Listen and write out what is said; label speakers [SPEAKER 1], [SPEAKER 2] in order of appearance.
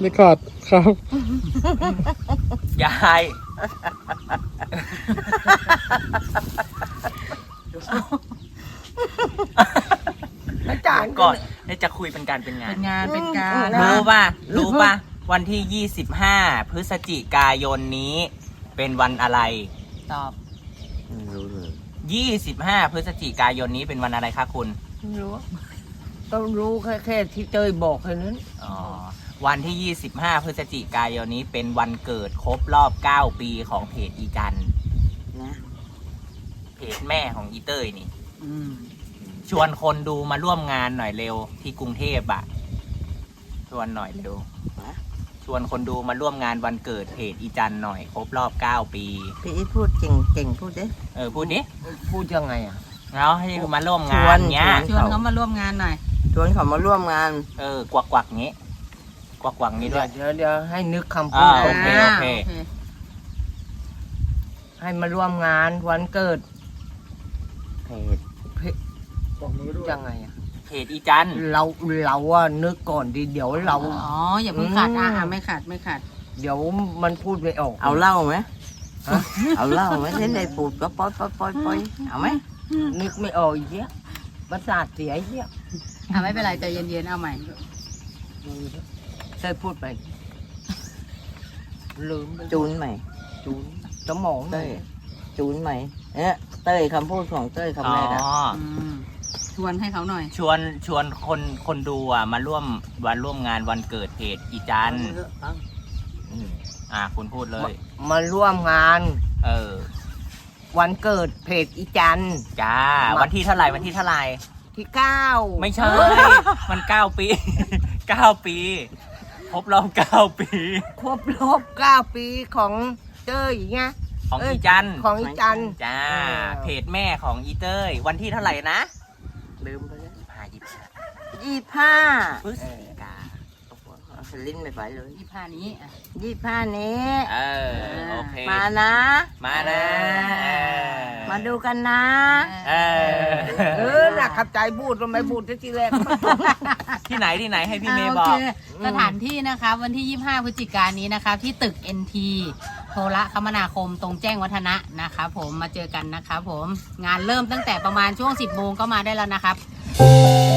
[SPEAKER 1] เรคคอร์ดครับ
[SPEAKER 2] ยาย
[SPEAKER 3] อาจารย์
[SPEAKER 2] ก่อนจะคุยเป็นการเป็นงาน
[SPEAKER 4] เป็นงานเป็นการ
[SPEAKER 2] รู้ป่ะวันที่25 พฤศจิกายนนี้เป็นวันอะไร
[SPEAKER 4] ตอบ
[SPEAKER 3] รู้เลย
[SPEAKER 2] 25 พฤศจิกายนนี้เป็นวันอะไรคะคุณ
[SPEAKER 3] ไม่รู้ต้องรู้แค่ที่เตยบอกแค่นั้น
[SPEAKER 2] อ๋อวันที่ 25 พฤศจิกายนนี้เป็นวันเกิดครบรอบ 9 ปีของเพจอีจันนะเพจแม่ของอีเต้ยนี่
[SPEAKER 4] อืม
[SPEAKER 2] ชวนคนดูมาร่วมงานหน่อยเร็วที่กรุงเทพอะชวนหน่อยเร็วชวนคนดูมาร่วมงานวันเกิดเพจอีจันหน่อยครบรอบ 9 ปี
[SPEAKER 5] พี่อีทพูดเก่งพูดดิ
[SPEAKER 2] พูดดิ
[SPEAKER 3] พูดยังไงอ่ะ
[SPEAKER 2] แล้วให้มาร่วมงานเนี้ย
[SPEAKER 4] ชวนเขามาร่วมงานหน่อย
[SPEAKER 5] ชวนเขามาร่วมงาน
[SPEAKER 2] กวักกวักงี้กวักกวักงี้ด้วย
[SPEAKER 3] เดี๋ยวให้นึกคำพูด
[SPEAKER 2] โอเค
[SPEAKER 4] อ่า
[SPEAKER 3] ให้มาร่วมงานวันเกิด
[SPEAKER 5] เพจ
[SPEAKER 3] ยังไงอ่ะ
[SPEAKER 2] เพจอีจัน
[SPEAKER 3] เราว่านึกก่อนดีเดี๋ยวเรา
[SPEAKER 4] อ๋ออย่าเพิ่งขาดไม่ขาดไม่ขาด
[SPEAKER 3] เดี๋ยวมันพูดไม่ออก
[SPEAKER 5] เอาเหล้าไหม
[SPEAKER 3] ฮะ
[SPEAKER 5] เอาเหล้าไหมเส้นได้ปูดก็ปอยเอาไหม
[SPEAKER 3] นึกไม่ออกอีกเยอะประสาทเสียเยอะ
[SPEAKER 4] ไม่เป็นไรใจเย็นๆเอาใหม่
[SPEAKER 3] เตยพูดไปลืมไป
[SPEAKER 5] จูนใหม่
[SPEAKER 3] จูนสมอง
[SPEAKER 5] เต้ยจูนใหม่เนี่ยเต้ยคำพูดของเต้ยคำแรกอะ
[SPEAKER 4] อืมชวนให้เขาหน่อย
[SPEAKER 2] ชวนคนดูมาร่วมงานวันเกิดเพจอีจันคุณพูดเลย
[SPEAKER 3] มาร่วมงาน วันเกิดเพจอีจัน
[SPEAKER 2] จ้าวันที่เท่าไหร่ที่
[SPEAKER 3] 9
[SPEAKER 2] ไม่ใช่ มัน 9 ปี 9 ปีครบรอบ 9 ปี
[SPEAKER 3] ครบรอบ9 ปีของเต้ยไง
[SPEAKER 2] ของอีจัน
[SPEAKER 3] ของอีจัน
[SPEAKER 2] จ้าเพจแม่ของอีเต้ยวันที่เท่าไหร่นะ
[SPEAKER 5] ลืมไปแล้ว
[SPEAKER 2] 25 พฤศจิกา
[SPEAKER 5] ลิ้นไม่ไปเลย
[SPEAKER 4] 25นี้อ่ะ
[SPEAKER 5] 25นี้
[SPEAKER 2] โอเค
[SPEAKER 5] มานะ
[SPEAKER 2] มานะ
[SPEAKER 5] มาดูกันนะ
[SPEAKER 3] น่ะขับใจพูดทำไมพูดทีแรก
[SPEAKER 2] ที่ไหนให้พี่เมย์
[SPEAKER 4] โอบ
[SPEAKER 2] อ
[SPEAKER 4] เค
[SPEAKER 2] ก
[SPEAKER 4] สถานที่นะคะวันที่ 25 พฤศจิกายนนี้นะคะที่ตึก NT โทรคมนาคมตรงแจ้งวัฒนะนะคะผมมาเจอกันนะคะผมงานเริ่มตั้งแต่ประมาณช่วง 10 โมงก็มาได้แล้วนะครับ